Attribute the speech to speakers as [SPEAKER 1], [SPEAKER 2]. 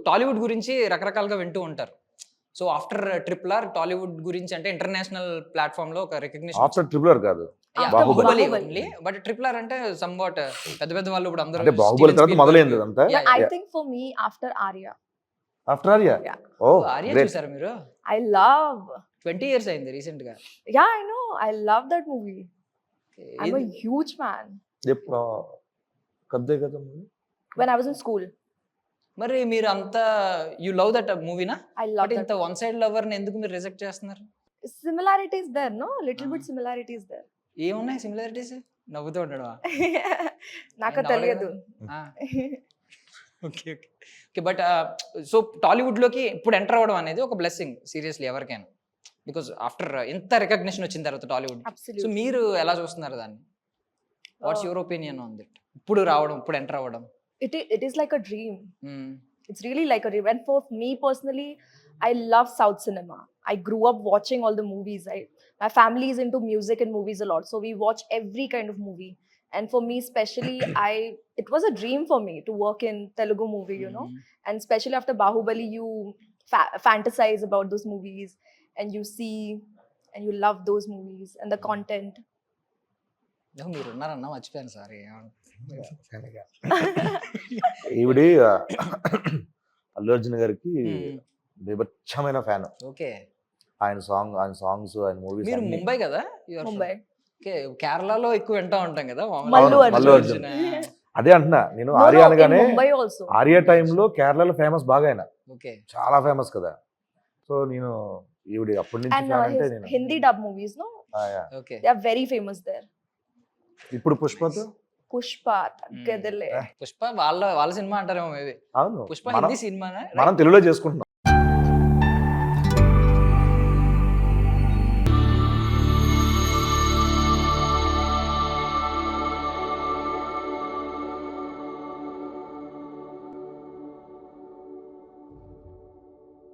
[SPEAKER 1] టాలీవుడ్ గురించి రకరకాలుగా వింటూ ఉంటారు. So after triple R Tollywood గురించి అంటే ఇంటర్నేషనల్ ప్లాట్‌ఫార్మ్ లో ఒక రికగ్నిషన్
[SPEAKER 2] ఆఫ్టర్ ట్రిపుల్ ఆర్ కాదు,
[SPEAKER 1] Baahubali
[SPEAKER 2] Baahubali.
[SPEAKER 1] Only. But triple R అంటే సంవాట్ పెద్ద పెద్ద వాళ్ళు ఇప్పుడు అందరూ
[SPEAKER 2] అంటే బాహుబలి తర్వాత మొదలైంది అదంతా.
[SPEAKER 3] But I think for me, after Arya,
[SPEAKER 2] after Arya.
[SPEAKER 3] Yeah.
[SPEAKER 2] Oh
[SPEAKER 1] Arya
[SPEAKER 2] great.
[SPEAKER 1] చూసారా మీరు?
[SPEAKER 3] I love.
[SPEAKER 1] 20 ఇయర్స్ అయింది రీసెంట్ గా.
[SPEAKER 3] Yeah, I know. I love that movie. I'm a huge fan.
[SPEAKER 2] ఎప్పుడు కద్దే కదా movie?
[SPEAKER 3] When I was in school,
[SPEAKER 1] మరి మీరు అంత you love that మూవీనా?
[SPEAKER 3] I love
[SPEAKER 1] but
[SPEAKER 3] that.
[SPEAKER 1] ఇంత వన్ సైడ్ లవర్ ని ఎందుకు మీరు రిజెక్ట్ చేస్తున్నారు?
[SPEAKER 3] Similarities there, no? Little bit similarities there.
[SPEAKER 1] ఏమున్నాయి సిమిలారిటీస్? నవ్వుతూ ఉండడమా?
[SPEAKER 3] నాకు
[SPEAKER 1] నేను
[SPEAKER 3] తెలియదు.
[SPEAKER 1] Okay okay okay. But so Tollywood లోకి ఇప్పుడు ఎంటర్ అవ్వడం అనేది ఒక బ్లెస్సింగ్ సీరియస్లీ ఎవరికైనా. బికాజ్ ఆఫ్టర్ ఎంత రికగ్నిషన్ వచ్చిన తర్వాత టాలీవుడ్. So
[SPEAKER 3] Absolutely.
[SPEAKER 1] మీరు ఎలా చూస్తున్నారు దాన్ని? What's your opinion on that? ఇప్పుడు రావడం, ఇప్పుడు ఎంటర్ అవ్వడం.
[SPEAKER 3] It is like a dream. It's really like a dream. And for me personally, I love South cinema. I grew up watching all the movies. My family is into music and movies a lot, so we watch every kind of movie. And for me especially, it was a dream for me to work in Telugu movie, you know. And especially after Bahubali, you fantasize about those movies, and you see and you love those movies and the content.
[SPEAKER 1] మీరు ఉన్నారన్నా మర్చిపోయాను sorry.
[SPEAKER 2] ఈవిడి అల్లు అర్జున్ గారికి బీభత్సమైన fan.
[SPEAKER 1] Okay.
[SPEAKER 2] ఆయన songs ఆయన movies.
[SPEAKER 1] మీరు ముంబై కదా?
[SPEAKER 3] Mumbai.
[SPEAKER 1] Okay. కేరళలో ఎక్కువ వింటా ఉంటాం కదా
[SPEAKER 3] మల్లు
[SPEAKER 2] మల్లు
[SPEAKER 3] అర్జున్.
[SPEAKER 2] అదే అంటున్నా నేను.
[SPEAKER 3] No,
[SPEAKER 2] ఆర్యా
[SPEAKER 3] in
[SPEAKER 2] అనగానే
[SPEAKER 3] Mumbai also.
[SPEAKER 2] ఆర్యా టైంలో కేరళలో ఫేమస్ బాగా ఆయన,
[SPEAKER 1] ఓకే.
[SPEAKER 2] చాలా ఫేమస్ కదా. సో నేను ఈవిడి అప్పటి నుంచి
[SPEAKER 3] And
[SPEAKER 2] ఫ్యాన్ అంటే
[SPEAKER 3] his
[SPEAKER 2] నేను.
[SPEAKER 3] Hindi dub movies, no?
[SPEAKER 1] Okay.
[SPEAKER 3] They are very famous there.
[SPEAKER 2] ఇప్పుడు పుష్పతో
[SPEAKER 3] Pushpa, Taggadale.
[SPEAKER 1] పుష్ప వాళ్ళ సినిమా అంటారేమో మేబీ.
[SPEAKER 2] అవును
[SPEAKER 1] పుష్ప
[SPEAKER 2] మనం
[SPEAKER 1] హిందీ సినిమానా?
[SPEAKER 2] మనం తెలుగులో చేసుకుంటున్నాం.